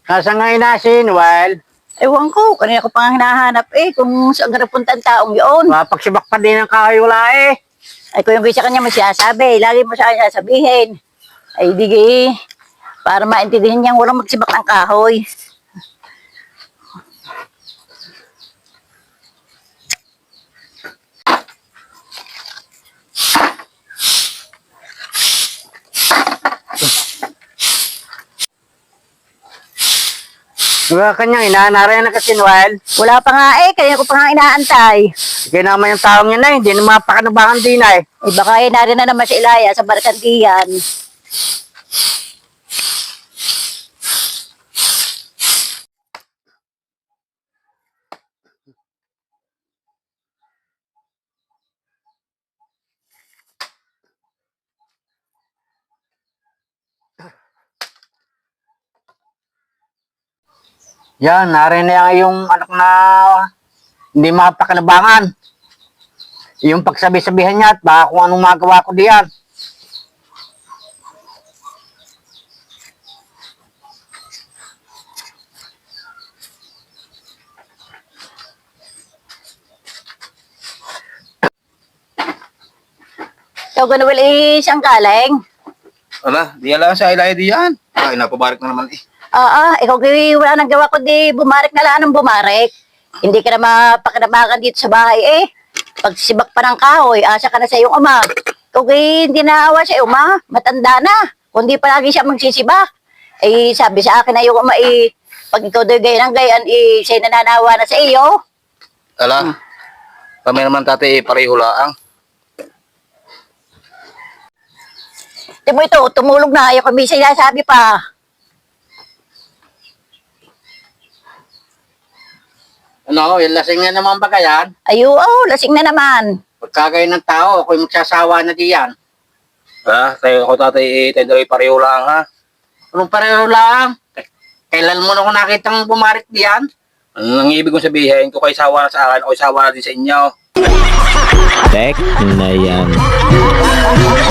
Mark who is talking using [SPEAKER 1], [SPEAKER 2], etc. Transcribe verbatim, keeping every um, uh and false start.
[SPEAKER 1] Nasa ngayon na si Noel?
[SPEAKER 2] Ewan ko, kanina ko pa nga hinahanap eh, kung saan ka napunta ang taong yun.
[SPEAKER 1] Mapagsibak pa din ang kahoy wala eh.
[SPEAKER 2] Ay, kung yung sa kanya mo sinasabi, lagi mo sa kanya sabihin. Ay, di para maintindihan niyang walang magsibak ng kahoy.
[SPEAKER 1] Diba kanyang inaanara na kasi Noel?
[SPEAKER 2] Wala pa nga eh, kaya ko pa nga inaantay.
[SPEAKER 1] Sige naman yung taong yun eh, hindi na mapakanabangan din eh.
[SPEAKER 2] Eh, baka eh, narin na naman si Ilaya sa Barkantiyan.
[SPEAKER 1] Yan, narin na yung anak na hindi mapakanabangan. Yung pagsabi-sabihan niya at baka kung anong magawa ko diyan.
[SPEAKER 2] Ikaw ka na wala eh, siyang galing.
[SPEAKER 3] Ala, di alam sa ilay diyan. Ay, napabarik na naman eh.
[SPEAKER 2] Oo, ikaw kay wala nang gawa ko di bumarik na lang ng bumarik. Hindi ka na mapakinabangan dito sa bahay eh. Pagsibak pa ng kahoy, asa ka na sa iyong ama. Ikaw kay hindi naawa sa iyong ama, matanda na. Kundi palagi siya magsisibak. Eh, sabi sa akin na iyong ama eh, pag ikaw do'y gayan ng gayan, eh, siya'y nananawa na sa iyo.
[SPEAKER 3] Ala, kami naman tati eh, pareho laang.
[SPEAKER 2] Di mo ito, tumulog na, ayaw kami sinasabi pa.
[SPEAKER 1] Ano, yung lasing na naman ba yan?
[SPEAKER 2] Ay, oo, lasing na naman.
[SPEAKER 1] Pagkagay ng tao, ako'y magsasawa na diyan.
[SPEAKER 3] Ha, tayo ako tati eh, tayo dalawa pareho laang ha.
[SPEAKER 1] Anong pareho lang? Kailan mo na ako nakitang bumarik diyan?
[SPEAKER 3] Ano nang ibig kong sabihin, kung kayo sawa na sa akin, o sawa na din sa inyo.
[SPEAKER 4] Tek na yan.